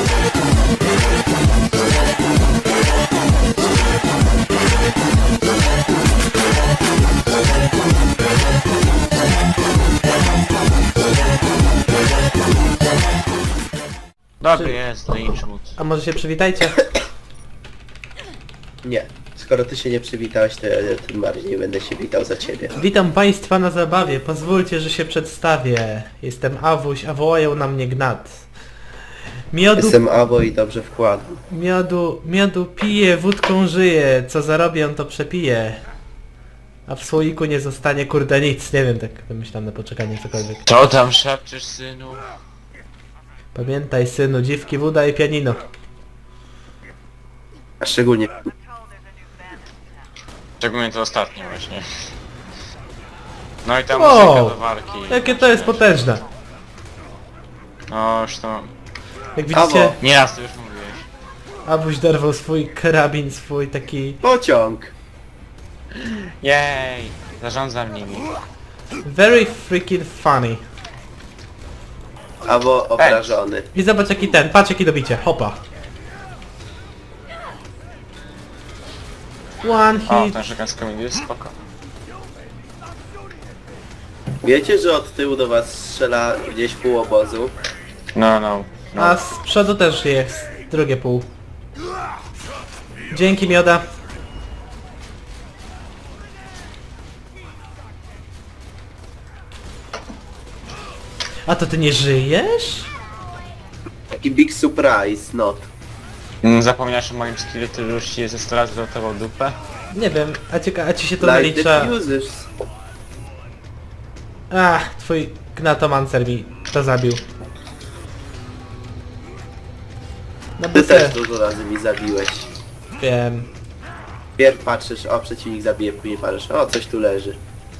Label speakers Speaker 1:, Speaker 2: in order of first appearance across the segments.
Speaker 1: Dobry jest, no i czmut.
Speaker 2: A może się przywitajcie?
Speaker 3: Nie. Skoro ty się nie przywitałeś, to ja tym bardziej nie będę się witał za ciebie.
Speaker 2: Witam państwa na zabawie, pozwólcie, że się przedstawię. Jestem Awuś, a wołają na mnie Gnat.
Speaker 3: Jestem Abo i dobrze wkładam.
Speaker 2: Miodu piję, wódką żyję, co zarobię to przepiję. A w słoiku nie zostanie kurde nic, nie wiem, tak wymyślam na poczekanie cokolwiek.
Speaker 1: Co tam szepczesz, synu?
Speaker 2: Pamiętaj synu, dziwki, woda i pianino.
Speaker 3: A szczególnie...
Speaker 1: Szczególnie to ostatnie właśnie. No i ta
Speaker 2: Wow,
Speaker 1: muzyka do walki.
Speaker 2: Jakie to jest potężne.
Speaker 1: No już to...
Speaker 2: Jak widzicie,
Speaker 3: Awo.
Speaker 1: Nieraz to już mówiłeś.
Speaker 2: Awuś dorwał swój karabin, swój taki...
Speaker 3: Pociąg!
Speaker 1: Jej! Zarządzam nimi.
Speaker 2: Very freaking funny.
Speaker 3: Abo obrażony.
Speaker 2: I zobacz jaki ten, patrz jaki dobicie, hopa. One
Speaker 1: O,
Speaker 2: hit.
Speaker 1: ten szykan z komedii jest spoko.
Speaker 3: Wiecie, że od tyłu do was strzela gdzieś pół obozu?
Speaker 1: No.
Speaker 2: A z przodu też jest drugie pół. Dzięki mioda. A to ty nie żyjesz?
Speaker 3: Taki big surprise, not.
Speaker 1: Zapomniałeś o moim skillu, który już ci ze 100 razy rotował dupę?
Speaker 2: Nie wiem, a ci się to
Speaker 3: Like
Speaker 2: nalicza...
Speaker 3: the users.
Speaker 2: Twój gnatomancer mi to zabił. No
Speaker 3: Ty
Speaker 2: bez
Speaker 3: też dużo razy mi zabiłeś.
Speaker 2: wiem.
Speaker 3: Pierw patrzysz, o przeciwnik zabije, później patrzysz, o coś tu leży.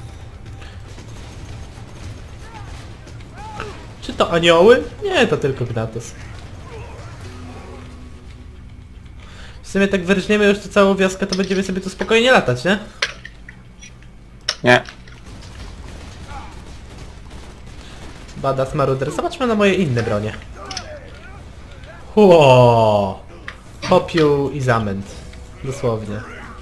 Speaker 2: Czy to anioły? Nie, to tylko Gnatos. W sumie tak wyrżniemy już tu całą wioskę, to będziemy sobie tu spokojnie latać, nie?
Speaker 1: Nie.
Speaker 2: Badass Maruder. Zobaczmy na moje inne bronie. Ło! Popiół i zamęt. Dosłownie.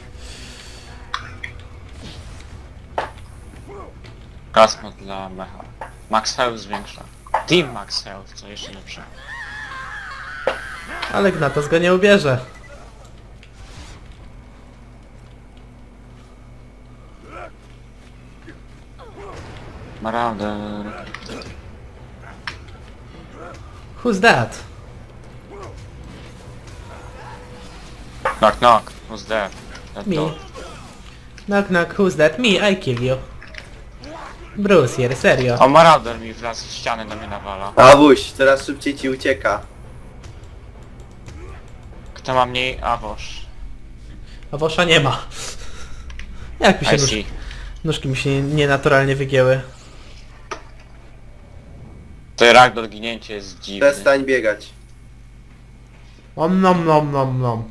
Speaker 1: Kosmos dla mecha. Max Health zwiększa. Team Max Health, co jeszcze lepsze.
Speaker 2: Ale Gnatos go nie ubierze.
Speaker 1: Marauder.
Speaker 2: Who's that?
Speaker 1: Knock knock. Who's there? That
Speaker 2: Me.
Speaker 1: door.
Speaker 2: Knock knock, who's that? Me, I kill you. Bruce here, serio.
Speaker 1: O, Marauder mi wlazł z ściany do mnie nawala.
Speaker 3: Awuś, coraz szybciej ci ucieka.
Speaker 1: Kto ma mniej? Awosz.
Speaker 2: A Wosza nie ma. Jak mi się
Speaker 1: I see.
Speaker 2: nóżki mi się nienaturalnie wygięły.
Speaker 1: To rak do ginięcia jest dziwny.
Speaker 3: Przestań biegać.
Speaker 2: Om nom nom nom nom.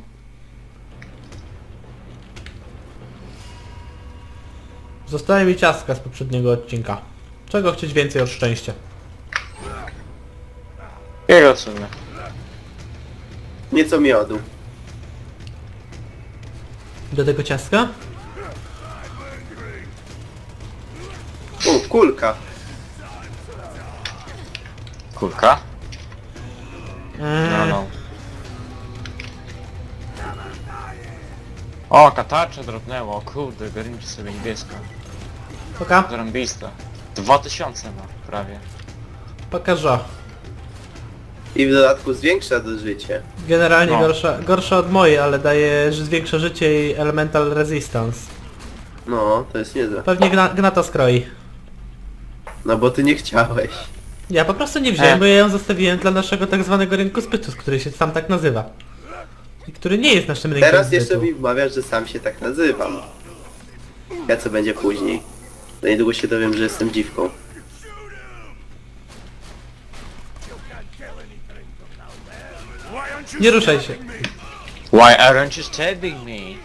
Speaker 2: Zostaje mi ciastka z poprzedniego odcinka. Czego chcieć więcej od szczęścia?
Speaker 1: Jego sumie.
Speaker 3: Nieco miodu.
Speaker 2: Do tego ciastka?
Speaker 3: Kulka.
Speaker 1: Kulka? No. O, katarcze drobnęło, kurde, garniczy sobie niebieska.
Speaker 2: Poka?
Speaker 1: Zarąbista. 2000 ma, prawie.
Speaker 2: Pokażę.
Speaker 3: I w dodatku zwiększa to życie.
Speaker 2: Generalnie
Speaker 1: No.
Speaker 2: gorsza od mojej, ale daje większe życie i elemental resistance.
Speaker 3: No, to jest niezłe.
Speaker 2: Pewnie Gnata skroi.
Speaker 3: No bo ty nie chciałeś.
Speaker 2: Ja po prostu nie wziąłem, bo ja ją zostawiłem dla naszego tak zwanego rynku zbytu, który się sam tak nazywa. I który nie jest naszym rynkiem
Speaker 3: Teraz
Speaker 2: zbytu.
Speaker 3: jeszcze mi wmawiasz, że sam się tak nazywam. Ja co będzie później. Za niedługo się dowiem, że jestem dziwką.
Speaker 2: Nie ruszaj się.
Speaker 1: Why aren't you stabbing me?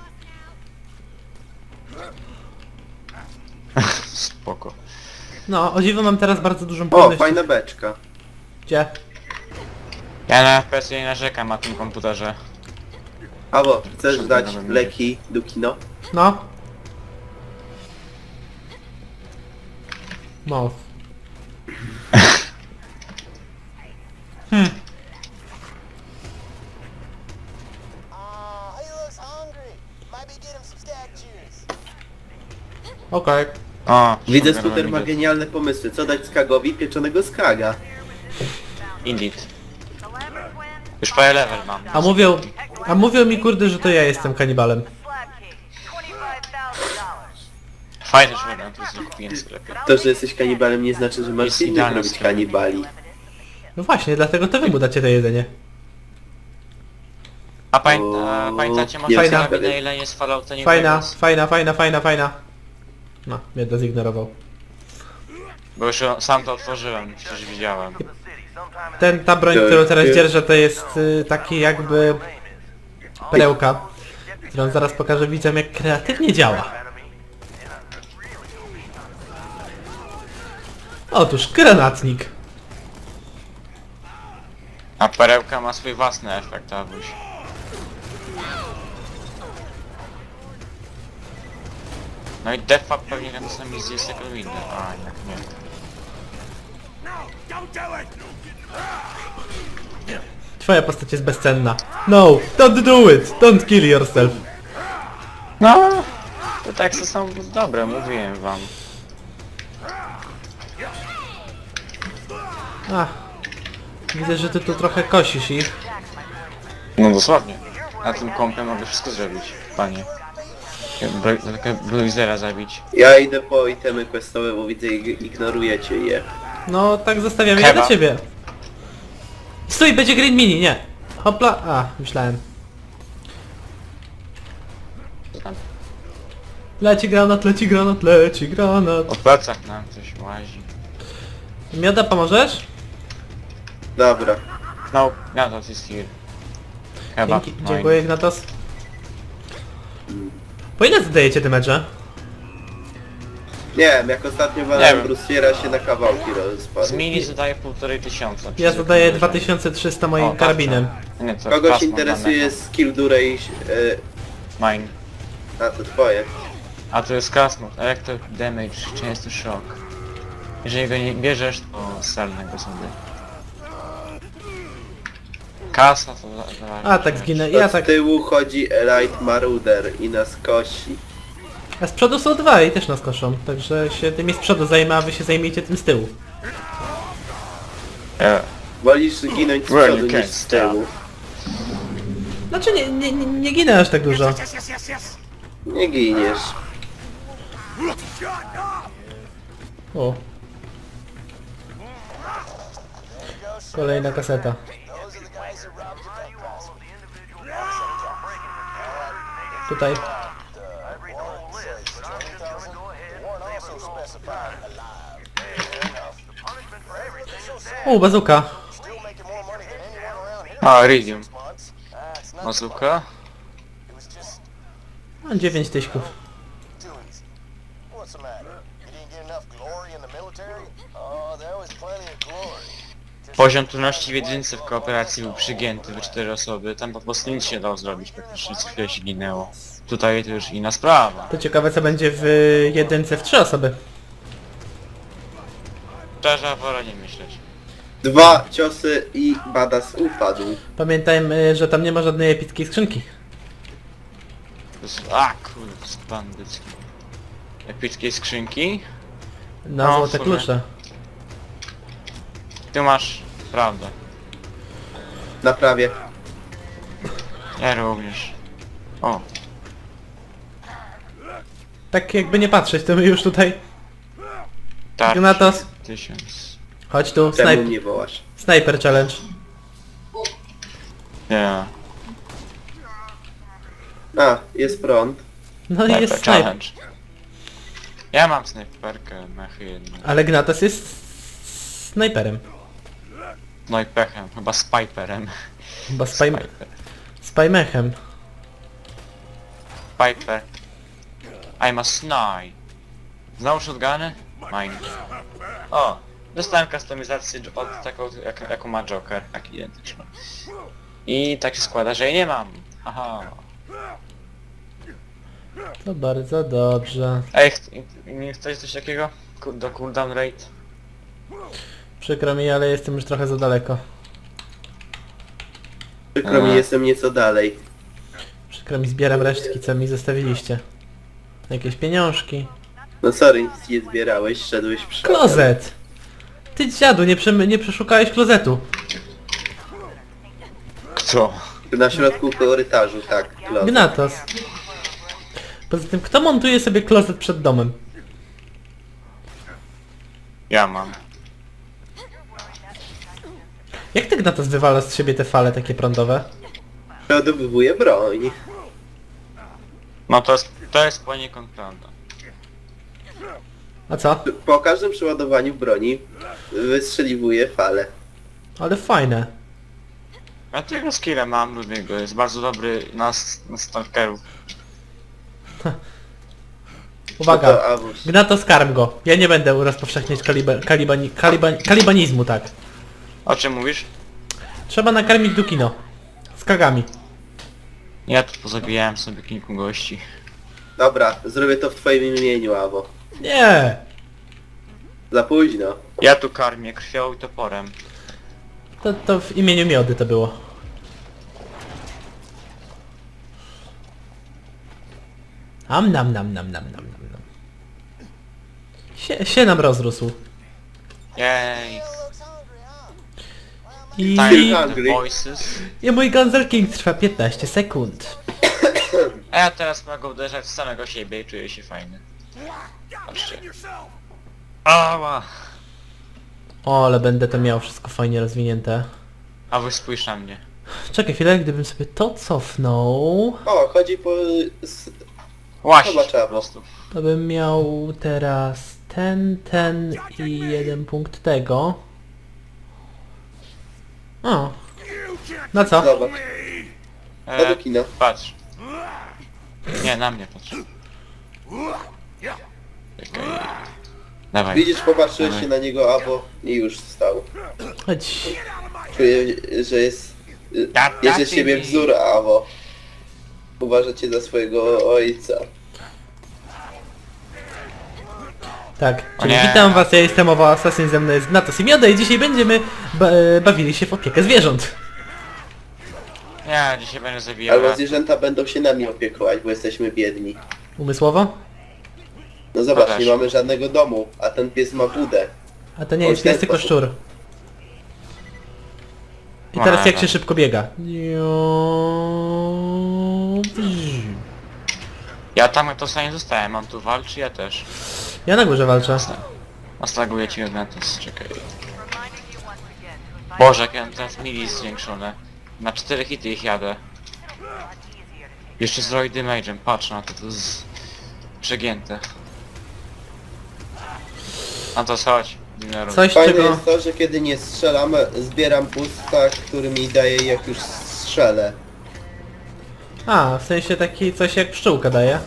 Speaker 1: Spoko.
Speaker 2: No, o dziwo mam teraz bardzo dużą
Speaker 3: O,
Speaker 2: płynność.
Speaker 3: fajna beczka.
Speaker 2: Gdzie?
Speaker 1: Ja na FPS nie narzekam na tym komputerze.
Speaker 3: Paweł, chcesz
Speaker 1: Przed
Speaker 3: dać
Speaker 1: nowym
Speaker 3: leki do kino?
Speaker 2: No. Mow.
Speaker 4: He looks hungry. Might be get him some stag juice.
Speaker 2: Okej.
Speaker 1: O,
Speaker 3: Widzę,
Speaker 1: sugar
Speaker 3: Scooter ma
Speaker 1: idiot.
Speaker 3: genialne pomysły. Co dać Skagowi? Pieczonego skaga.
Speaker 1: Indeed. Już prawie level mam.
Speaker 2: A mówią mi kurde, że to ja jestem kanibalem.
Speaker 1: Fajny żołnierz, to jest kupiłem w sklepie.
Speaker 3: To, że jesteś kanibalem nie znaczy, że masz
Speaker 1: Jest
Speaker 3: innych
Speaker 1: idealny
Speaker 3: robić
Speaker 1: sklep.
Speaker 3: kanibali.
Speaker 2: No właśnie, dlatego to wy mu dacie to jedzenie.
Speaker 1: A
Speaker 3: O,
Speaker 1: pamiętacie może
Speaker 3: nie,
Speaker 2: Fajna.
Speaker 1: karabinę, na ile jest Fallouta New
Speaker 2: Fajna,
Speaker 1: Vegas?
Speaker 2: fajna. No, mnie to zignorował.
Speaker 1: Bo już sam to otworzyłem, przecież widziałem.
Speaker 2: Ta broń, którą teraz dzierżę, to jest taki jakby perełka, którą zaraz pokażę widzom, jak kreatywnie działa. Otóż granatnik.
Speaker 1: A perełka ma swój własny efekt, Awuś. No i defab pewnie na samym misji jest jako inny. A, jednak nie.
Speaker 2: Twoja postać jest bezcenna. No, don't do it! Don't kill yourself.
Speaker 1: No, te teksty są dobre, mówiłem wam.
Speaker 2: Ach, widzę, że ty tu trochę kosisz ich.
Speaker 1: No dosłownie. Na tym kompie mogę wszystko zrobić, panie. Bluizera zabić.
Speaker 3: Ja idę po itemy questowe, bo widzę, ignorujecie je.
Speaker 2: No, tak zostawiam je
Speaker 1: Keba.
Speaker 2: dla ciebie. Stój, będzie green mini, nie. Hopla, a, myślałem.
Speaker 1: Co tam?
Speaker 2: Leci granat, leci granat, leci granat.
Speaker 1: O plecach nam coś łazi.
Speaker 2: Mioda, pomożesz?
Speaker 3: Dobra.
Speaker 1: No, ja to jest here. Chyba.
Speaker 2: Dzięki, dziękuję, Ignatos. Po ile zadajecie te mecze?
Speaker 3: Nie wiem, jak ostatnio
Speaker 1: Nie
Speaker 3: walałem
Speaker 1: wiem.
Speaker 3: Bruciera się na kawałki rozpadł.
Speaker 1: Z mini zadaje 1500.
Speaker 2: Ja zadaję 2300 moim
Speaker 1: O, tak,
Speaker 2: karabinem.
Speaker 1: Nie, to
Speaker 3: Kogoś
Speaker 1: pasmo
Speaker 3: interesuje
Speaker 1: danego.
Speaker 3: skill duration...
Speaker 1: Mine.
Speaker 3: A to twoje.
Speaker 1: A to jest Casmod, Electro Damage, częsty szok. Jeżeli go nie bierzesz, to selnego sobie. Kasa to
Speaker 2: A, tak zginę, ja
Speaker 3: Od
Speaker 2: tak...
Speaker 3: tyłu chodzi Elite Marauder i nas kosi.
Speaker 2: A z przodu są dwa i też nas koszą, także się tymi z przodu zajmę, a wy się zajmiecie tym z tyłu.
Speaker 3: Wolisz ginąć z
Speaker 1: Well,
Speaker 3: przodu
Speaker 1: you
Speaker 3: niż
Speaker 1: can't
Speaker 3: z tyłu.
Speaker 2: Znaczy nie ginę aż tak dużo.
Speaker 3: Nie giniesz.
Speaker 2: O. Kolejna kaseta.
Speaker 4: Those are the guys who robbed you that house.
Speaker 2: Tutaj.
Speaker 4: Warren also specified alive.
Speaker 2: O, bazuka.
Speaker 4: Still making more money than anyone around here.
Speaker 1: A, Iridium.
Speaker 4: Months. It's not
Speaker 1: Mazuka.
Speaker 4: It was just
Speaker 2: 9 tyśków.
Speaker 4: too easy. What's the matter? You didn't get enough glory in the military? Oh, there was plenty of glory. Just
Speaker 1: Poziom trudności w jedynce w kooperacji był przygięty w 4 osoby. Tam po prostu nic się dało zrobić, praktycznie co chwilę się ginęło. Tutaj to już inna sprawa.
Speaker 2: To ciekawe co będzie w jedynce w 3 osoby.
Speaker 1: Szczerze, wolę nie myśleć.
Speaker 3: 2 ciosy i Badass upadł.
Speaker 2: Pamiętajmy, że tam nie ma żadnej epickiej skrzynki.
Speaker 1: To jest... A kurde, to jest bandycki. Epickiej skrzynki.
Speaker 2: Na
Speaker 1: No,
Speaker 2: złote
Speaker 1: w sumie.
Speaker 2: klucze.
Speaker 1: Ty masz prawdę.
Speaker 3: Naprawię.
Speaker 1: Ja również. O,
Speaker 2: Tak jakby nie patrzeć, to my już tutaj...
Speaker 1: tarczy.
Speaker 2: Ignatos.
Speaker 1: 1000.
Speaker 2: Chodź tu,
Speaker 3: Czemu mnie wołasz?
Speaker 2: Sniper challenge.
Speaker 1: Nie.
Speaker 3: A, jest prąd.
Speaker 2: No i jest
Speaker 1: Sniper
Speaker 2: sniper.
Speaker 1: challenge. Ja mam snajperkę, mechy jedno.
Speaker 2: Ale Gnatos jest snajperem.
Speaker 1: No i pechem, chyba z Piperem.
Speaker 2: Chyba
Speaker 1: Piper.
Speaker 2: spymechem.
Speaker 1: Piper. I'm a snipe. Znowu shotguny? Mine. O, Dostałem kustomizację od taką, jaką ma Joker, tak identyczną. I tak się składa, że jej nie mam. Haha.
Speaker 2: To bardzo dobrze.
Speaker 1: Ej, nie chcesz coś takiego? Do cooldown rate?
Speaker 2: Przykro mi, ale jestem już trochę za daleko.
Speaker 3: Przykro mi, jestem nieco dalej.
Speaker 2: Przykro mi, zbieram resztki, co mi zostawiliście. Jakieś pieniążki.
Speaker 3: No sorry, nic nie zbierałeś, szedłeś przodem.
Speaker 2: Klozet! Ty dziadu, nie przeszukałeś klozetu.
Speaker 1: Kto?
Speaker 3: Na środku korytarzu, tak. Klozet.
Speaker 2: Gnatos. Poza tym, kto montuje sobie klozet przed domem?
Speaker 1: Ja mam.
Speaker 2: Jak ty, Gnatos, wywalasz z siebie te fale takie prądowe?
Speaker 3: Przeładowywuję broń.
Speaker 1: No to jest poniekąd prawda.
Speaker 2: A co?
Speaker 3: Po każdym przeładowaniu broni wystrzeliwuję falę.
Speaker 2: Ale fajne.
Speaker 1: Ja tego skilla mam, lubię go, jest bardzo dobry na stalkerów.
Speaker 2: Uwaga.
Speaker 3: No to awuś.
Speaker 2: Gnatos, karm go. Ja nie będę rozpowszechniać kalibanizmu, tak.
Speaker 1: O czym mówisz?
Speaker 2: Trzeba nakarmić Dukino. Z kagami.
Speaker 1: Ja tu pozabijałem sobie kilku gości.
Speaker 3: Dobra, zrobię to w twoim imieniu, Awo.
Speaker 2: Nie!
Speaker 3: Za późno.
Speaker 1: Ja tu karmię krwią i toporem.
Speaker 2: To w imieniu Miody to było. Nam. Się nam rozrósł.
Speaker 1: Jej.
Speaker 4: Looks hungry, huh?
Speaker 2: I...
Speaker 1: Tiny
Speaker 3: Hungry.
Speaker 1: the voices.
Speaker 2: I mój Gunzer King trwa 15 sekund.
Speaker 1: A ja teraz mogę uderzać w samego siebie i czuję się fajny. Patrzcie. Ała!
Speaker 2: O, ale będę to miał wszystko fajnie rozwinięte.
Speaker 1: A wy spójrz na mnie.
Speaker 2: Czekaj chwilę, gdybym sobie to cofnął,
Speaker 3: O, chodzi po...
Speaker 1: Właśnie
Speaker 3: Zobacz,
Speaker 1: po
Speaker 3: Awo.
Speaker 1: prostu.
Speaker 2: to bym miał teraz ten i jeden punkt tego. O. No co?
Speaker 3: Zobacz, do kina.
Speaker 1: Patrz. Nie, na mnie patrz. Czekaj. Dawaj.
Speaker 3: Widzisz, popatrzyłeś się na niego, Awo, i już stał.
Speaker 2: Chodź.
Speaker 3: Czuję, że jest... Jest z siebie wzór, Awo. Uważacie za swojego ojca.
Speaker 2: Tak,
Speaker 1: O
Speaker 2: czyli
Speaker 1: nie.
Speaker 2: witam was, ja jestem Owo Assassin, ze mną jest Gnatos i Mioda i dzisiaj będziemy bawili się w opiekę zwierząt.
Speaker 1: Nie, dzisiaj będę zabijał.
Speaker 3: Albo zwierzęta będą się nami opiekować, bo jesteśmy biedni.
Speaker 2: Umysłowo?
Speaker 3: No zobacz,
Speaker 1: też.
Speaker 3: nie mamy żadnego domu, a ten pies ma budę.
Speaker 2: A to nie
Speaker 3: O,
Speaker 2: jest
Speaker 3: w ten
Speaker 2: pies, tylko
Speaker 3: sposób.
Speaker 2: szczur. I teraz jak się szybko biega.
Speaker 1: Ja tam to sobie nie zostałem, on tu walczy, ja też.
Speaker 2: Ja na górze walczę.
Speaker 1: Oslaguję ci Odnatus, czekaj. Boże, jak ja mam teraz mili zwiększone. Na 4 hity ich jadę. Jeszcze z Roy Damage'em, patrz na to, to jest przegięte. No to chodź, Dineru.
Speaker 2: Coś
Speaker 3: Fajne
Speaker 2: czego...
Speaker 3: jest to, że kiedy nie strzelam, zbieram pusta, który mi daje jak już strzelę.
Speaker 2: A, w sensie taki coś jak pszczółka daje.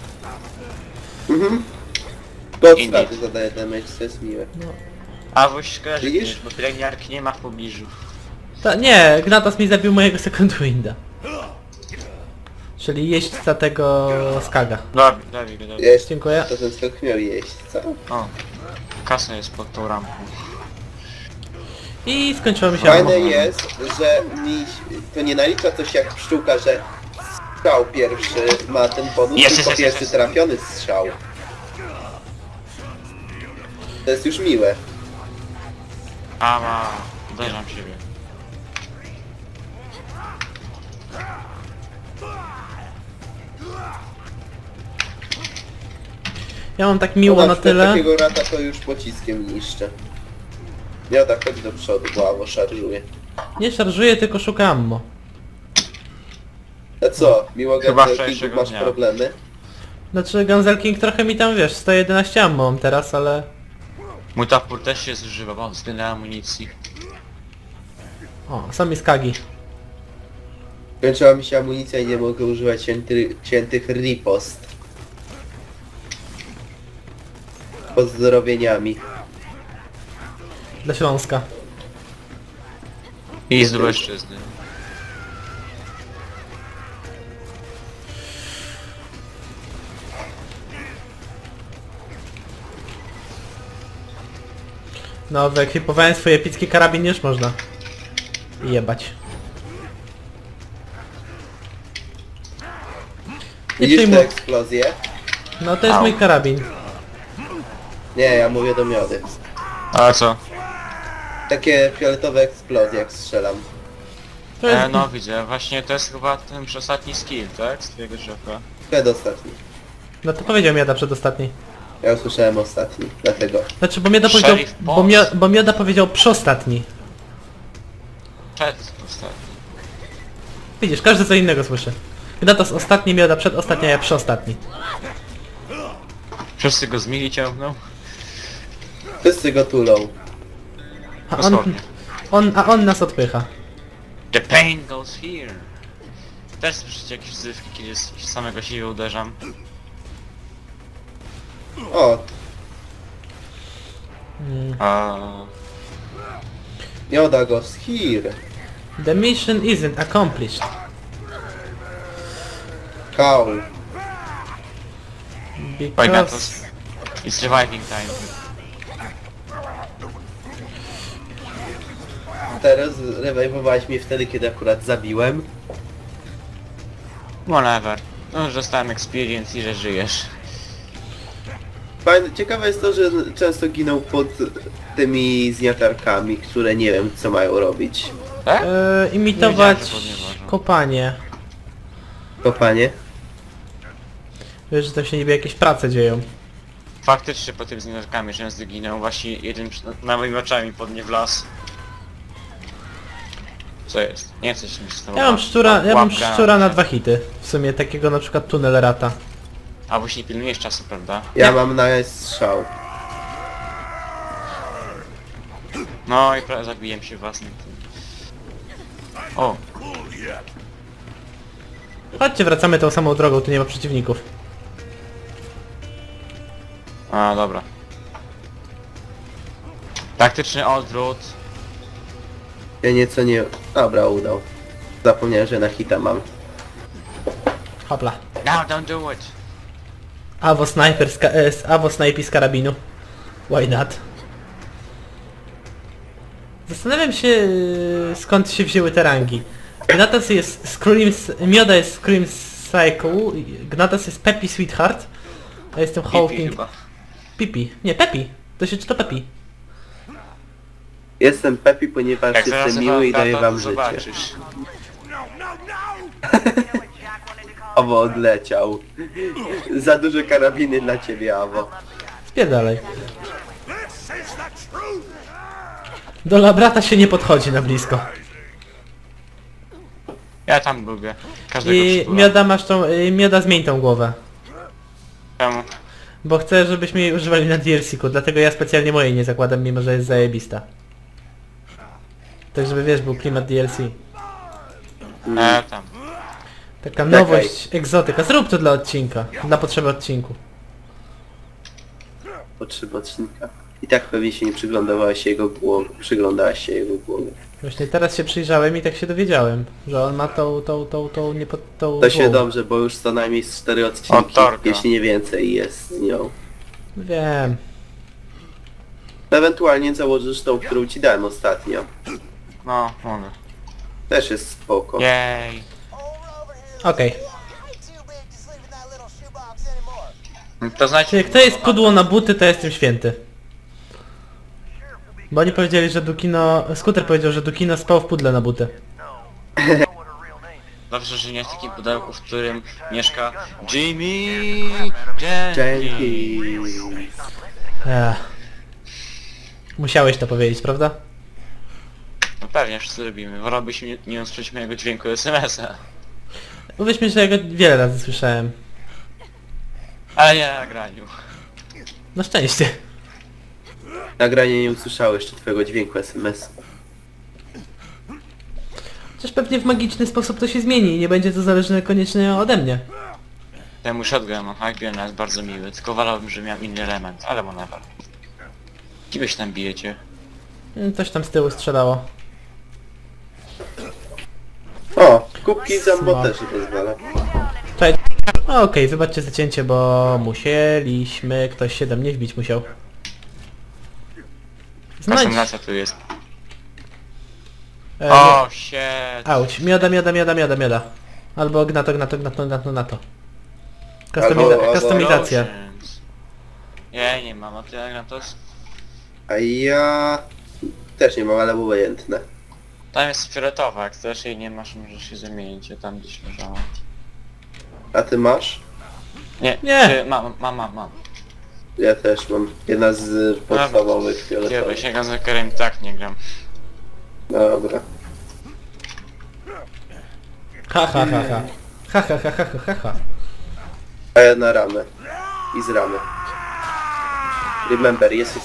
Speaker 3: Podstawy
Speaker 1: Indeed.
Speaker 3: zadaje damage, to jest miłe.
Speaker 1: A wuś kojarzy,
Speaker 3: Widzisz?
Speaker 1: bo pielęgniarki nie ma w pobliżu.
Speaker 2: Nie, Gnatos mi zabił mojego second winda. Czyli jeźdźca tego skaga.
Speaker 1: Dobij go.
Speaker 3: Jest,
Speaker 2: Dziękuję.
Speaker 3: to ten skok miał jeść, co?
Speaker 1: O, kasa jest pod tą rampą.
Speaker 2: I skończyło mi się
Speaker 3: Fajne
Speaker 2: ammo.
Speaker 3: jest, że mi to nie nalicza coś jak pszczółka, że strzał pierwszy ma ten bonus,
Speaker 1: Jest,
Speaker 3: tylko
Speaker 1: jest,
Speaker 3: pierwszy
Speaker 1: jest.
Speaker 3: trafiony strzał. To jest już miłe.
Speaker 1: Ała, uderzam siebie.
Speaker 2: Ja mam tak miło na
Speaker 3: przykład
Speaker 2: tyle.
Speaker 3: takiego rata to już pociskiem niszczę. Ja tak chodź do przodu, bo Awo szarżuje.
Speaker 2: Nie szarżuję, tylko szukam ammo.
Speaker 3: A co, miło
Speaker 1: Chyba
Speaker 3: Gabriel,
Speaker 1: wczorajszego
Speaker 3: masz
Speaker 1: dnia.
Speaker 3: problemy?
Speaker 2: Znaczy Gunzel King trochę mi tam, wiesz, 111 ammo mam teraz, ale...
Speaker 1: Mój topór też się zużywa, bo względem amunicji.
Speaker 2: O, są mi skagi.
Speaker 3: Kończyła mi się amunicja i nie mogę używać ciętych ripost. Pozdrowieniami.
Speaker 2: Dla Śląska.
Speaker 1: I z Lubelszczyzny.
Speaker 2: No, wyekwipowałem swój epicki karabin, już można. Jebać. Nie
Speaker 3: Widzisz te
Speaker 2: przejmuj.
Speaker 3: eksplozje?
Speaker 2: No to jest
Speaker 1: Au.
Speaker 2: mój karabin.
Speaker 3: Nie, ja mówię do miody.
Speaker 1: A co?
Speaker 3: Takie fioletowe eksplozje jak strzelam.
Speaker 2: To jest...
Speaker 1: No widzę, właśnie to jest chyba ten ostatni skill, tak? Z twojego drzewa.
Speaker 3: Przedostatni.
Speaker 2: No to powiedział Mioda przedostatni.
Speaker 3: Ja usłyszałem ostatni, dlatego.
Speaker 2: Znaczy, bo Mioda powiedział...
Speaker 1: Sheriff Boss.
Speaker 2: Bo Mioda powiedział przostatni.
Speaker 1: Przed ostatni.
Speaker 2: Widzisz, każdy co innego słyszy. Gnatos ostatni, Mioda przedostatni, a ja przostatni.
Speaker 1: Wszyscy go z mili ciągną?
Speaker 3: Wszyscy go tulą.
Speaker 2: A on,
Speaker 1: Dosłownie.
Speaker 2: on nas odpycha.
Speaker 1: The pain goes here. Też słyszycie jakieś wzywki, kiedy z samego siebie uderzam.
Speaker 3: O,
Speaker 1: A
Speaker 3: mioda goes here.
Speaker 2: The mission isn't accomplished.
Speaker 3: Cow.
Speaker 1: Pajgatos.
Speaker 2: Because...
Speaker 1: It's reviving time.
Speaker 3: Teraz rewajwowałeś mnie wtedy, kiedy akurat zabiłem.
Speaker 1: Whatever. No już dostałem experience i że żyjesz.
Speaker 3: Ciekawe jest to, że często giną pod tymi zniatarkami, które nie wiem co mają robić.
Speaker 1: Tak?
Speaker 2: Imitować
Speaker 1: Nie wiedziałem, że podnieważą.
Speaker 2: kopanie.
Speaker 3: Kopanie?
Speaker 2: Wiesz, że to się niby jakieś prace dzieją.
Speaker 1: Faktycznie po tym zniaczkami często ginął. Właśnie jeden na moimi oczami podnie w las. Co jest? Nie chcę się z tobą.
Speaker 2: Ja mam
Speaker 1: Łapka.
Speaker 2: szczura na 2 hity. W sumie takiego na przykład tunel rata.
Speaker 1: A właśnie nie pilnujesz czasu, prawda?
Speaker 3: Ja
Speaker 2: Nie.
Speaker 3: mam na strzał.
Speaker 1: No i prawie zabiłem się własnym tym. O!
Speaker 2: Chodźcie, wracamy tą samą drogą, tu nie ma przeciwników.
Speaker 1: A, dobra. Taktyczny odwrót.
Speaker 3: Ja nieco nie... Dobra, udał. Zapomniałem, że na hita mam.
Speaker 2: Hopla.
Speaker 1: No, don't do it!
Speaker 2: Avo snajpi z karabinu. Why not? Zastanawiam się skąd się wzięły te rangi. Gnatas jest Scream... Mioda jest Scream Cycle, Gnatas jest Peppy Sweetheart, a jestem
Speaker 1: Pipi
Speaker 2: Hawking...
Speaker 1: chyba.
Speaker 2: Pipi. Nie, Peppy. To się czyta Peppy.
Speaker 3: Jestem Pepi, ponieważ
Speaker 1: Jak zaraz
Speaker 3: jestem miły i daję
Speaker 1: to
Speaker 3: wam życie.
Speaker 1: zobaczysz.
Speaker 3: Awo odleciał. Za duże karabiny dla ciebie, Awo.
Speaker 2: Spierdalaj. Do labrata się nie podchodzi na blisko.
Speaker 1: Ja tam lubię. Każdego
Speaker 2: I
Speaker 1: przytulam.
Speaker 2: Mioda masz tą... Mioda zmień tą głowę.
Speaker 1: Czemu?
Speaker 2: Bo chcę, żebyśmy jej używali na DLC-ku, dlatego ja specjalnie mojej nie zakładam, mimo że jest zajebista. Tak żeby wiesz, był klimat DLC.
Speaker 1: Tam.
Speaker 2: Taka nowość, egzotyka. Zrób to dla odcinka. Dla potrzeby odcinku.
Speaker 3: Potrzeba odcinka. I tak pewnie się nie przyglądałaś jego głowie. Przyglądałaś się jego głowie.
Speaker 2: Właśnie teraz się przyjrzałem i tak się dowiedziałem, że on ma tą nie pod tą
Speaker 3: To się
Speaker 2: głowę.
Speaker 3: dobrze, bo już co najmniej z 4 odcinki,
Speaker 1: Torka.
Speaker 3: jeśli nie więcej jest z nią.
Speaker 2: Wiem.
Speaker 3: Ewentualnie założysz tą, którą ci dałem ostatnio.
Speaker 1: No, mogę.
Speaker 3: Też jest spoko.
Speaker 1: Jej.
Speaker 2: Okej.
Speaker 4: Ain't too big to sleep in that little shoebox anymore.
Speaker 1: To znaczy...
Speaker 2: Czyli kto jest kudło na buty, to jestem święty. Bo oni powiedzieli, że Dukino... Skuter powiedział, że Dukino spał w pudle na buty.
Speaker 1: Dobrze, że nie w takim pudełku, w którym mieszka Jimmy Jenkins.
Speaker 3: Dzięki.
Speaker 2: Musiałeś to powiedzieć, prawda?
Speaker 1: No pewnie, wszyscy lubimy. Wolałbyś nie usłyszeć mojego dźwięku SMS-a.
Speaker 2: Uwierz mi, że ja go wiele razy słyszałem.
Speaker 1: Ale nie na graniu.
Speaker 2: Na szczęście.
Speaker 3: Nagranie nie usłyszało jeszcze twojego dźwięku SMS.
Speaker 2: Chociaż pewnie w magiczny sposób to się zmieni i nie będzie to zależne koniecznie ode mnie.
Speaker 1: Temu shotgun Hyperion jest bardzo miły, tylko wolałbym, że miał inny element, ale whatever. Kim wy się tam bijecie?
Speaker 2: Coś tam z tyłu strzelało.
Speaker 3: O, kubki z ammo
Speaker 2: Smok.
Speaker 3: też nie pozwala.
Speaker 2: Czekaj. Okej, wybaczcie zacięcie, bo musieliśmy... Ktoś się do mnie wbić musiał. Znajdź...
Speaker 1: Kastomizacja tu jest.
Speaker 2: nie.
Speaker 1: O, shit.
Speaker 2: Auć. Mioda. Albo gnato.
Speaker 3: Albo-
Speaker 2: Kustomizacja.
Speaker 1: Explosions. Ja nie mam, a ty Agnatos?
Speaker 3: A ja... też nie mam, ale obojętne.
Speaker 1: Tam jest fioletowa, jak też jej nie masz, możesz się zamienić, ja tam gdzieś leżała.
Speaker 3: A ty masz?
Speaker 1: Nie,
Speaker 2: Nie.
Speaker 1: Ty, mam.
Speaker 3: Ja też mam. Jedna z podstawowych
Speaker 1: Kiedy
Speaker 3: fioletowych.
Speaker 1: się Gazakerem tak nie gram.
Speaker 3: Dobra.
Speaker 2: Ha.
Speaker 3: A ja na ramę. I z ramy. Remember, yes.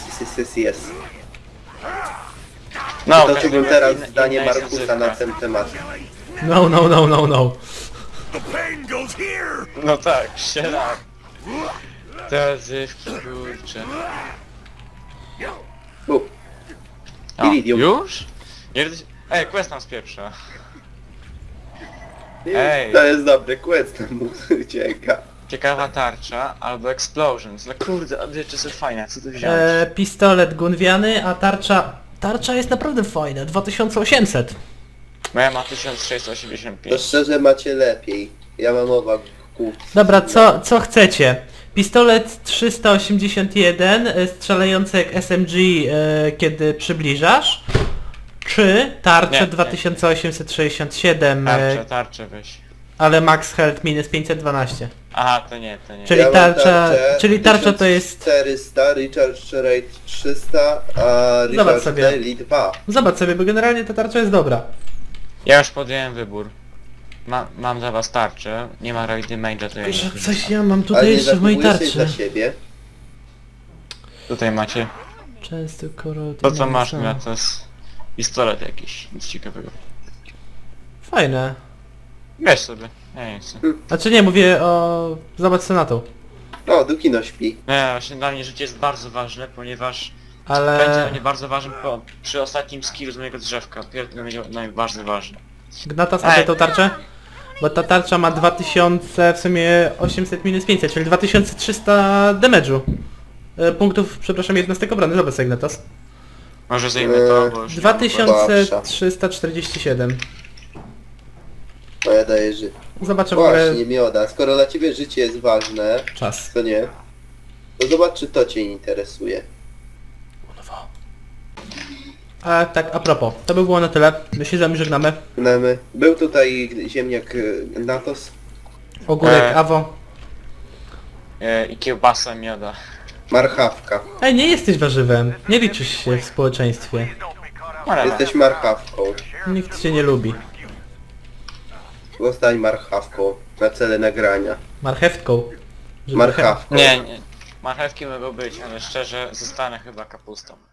Speaker 1: No,
Speaker 3: Toczyłbym teraz
Speaker 1: inna
Speaker 3: zdanie
Speaker 1: jest
Speaker 3: Markusa
Speaker 1: języczka.
Speaker 3: na ten temat.
Speaker 2: No.
Speaker 1: No tak, sierak. Te zywki, kurczę. O,
Speaker 3: Iridium.
Speaker 1: już? Ej, quest nam spieprza. Ej.
Speaker 3: To jest dobry quest, tam mu ucieka.
Speaker 1: Ciekawa tarcza albo explosions. No kurde, a rzeczy są fajne, co tu wziąć?
Speaker 2: Pistolet gunwiany, a tarcza... Tarcza jest naprawdę fajna, 2800.
Speaker 1: Moja ma
Speaker 3: To
Speaker 1: 1685.
Speaker 3: szczerze macie lepiej. Ja mam oba kół.
Speaker 2: Dobra, co chcecie? Pistolet 381, strzelający jak SMG, kiedy przybliżasz? Czy tarczę
Speaker 1: Nie.
Speaker 2: 2867,
Speaker 1: Tarczę weź.
Speaker 2: ale max health minus 512?
Speaker 1: Aha, to nie.
Speaker 2: Czyli
Speaker 3: Ja mam
Speaker 2: tarcza to jest...
Speaker 3: 400, Recharge Rate 300, a
Speaker 2: Zobacz
Speaker 3: Recharge
Speaker 2: sobie.
Speaker 3: Daily 2.
Speaker 2: Zobacz sobie, bo generalnie ta tarcza jest dobra.
Speaker 1: Ja już podjąłem wybór. Mam dla was tarczę, nie ma Roy Damage'a, to ja nie
Speaker 2: Że
Speaker 1: korzystam.
Speaker 2: coś ja mam
Speaker 3: Ale
Speaker 2: tutaj
Speaker 3: nie
Speaker 2: jeszcze w mojej
Speaker 3: zachowujesz jej
Speaker 2: tarczy.
Speaker 3: dla siebie.
Speaker 1: Tutaj macie.
Speaker 2: Często
Speaker 1: To co masz na to jest pistolet jakiś, nic ciekawego.
Speaker 2: Fajne.
Speaker 1: Weź sobie, ja nie chcę.
Speaker 2: Znaczy nie, mówię o... Zobacz co na to.
Speaker 3: O, Dukino śpi.
Speaker 1: Nie, właśnie dla mnie życie jest bardzo ważne, ponieważ będzie
Speaker 2: Ale...
Speaker 1: dla mnie bardzo ważne przy ostatnim skillu z mojego drzewka. Dla mnie najbardziej ważny.
Speaker 2: Gnatas, a tą tarczę? Bo ta tarcza ma 2000, w sumie 800 minus 500, czyli 2300 damage'u. Punktów, przepraszam, jednostek obrony. Zobacz sobie, Gnatas.
Speaker 1: Może zajmę to, bo już...
Speaker 2: 2347.
Speaker 3: No ja daję życie.
Speaker 2: Zobaczę w ogóle
Speaker 3: Właśnie, Mioda, skoro dla ciebie życie jest ważne,
Speaker 2: czas.
Speaker 3: to nie, to zobacz czy to cię interesuje.
Speaker 2: A tak, a propos, to by było na tyle. My się z wami żegnamy.
Speaker 3: Był tutaj ziemniak Natos.
Speaker 2: Ogórek, Awo.
Speaker 1: I kiełbasa mioda.
Speaker 3: Marchawka.
Speaker 2: Ej, nie jesteś warzywem. Nie liczysz się w społeczeństwie.
Speaker 1: Whatever.
Speaker 3: Jesteś marchawką.
Speaker 2: Nikt cię nie lubi.
Speaker 3: Zostań marchawką na cele nagrania.
Speaker 2: Marchewką. Żeby
Speaker 3: Marchawką.
Speaker 1: Nie, marchewki mogą być, ale szczerze zostanę chyba kapustą.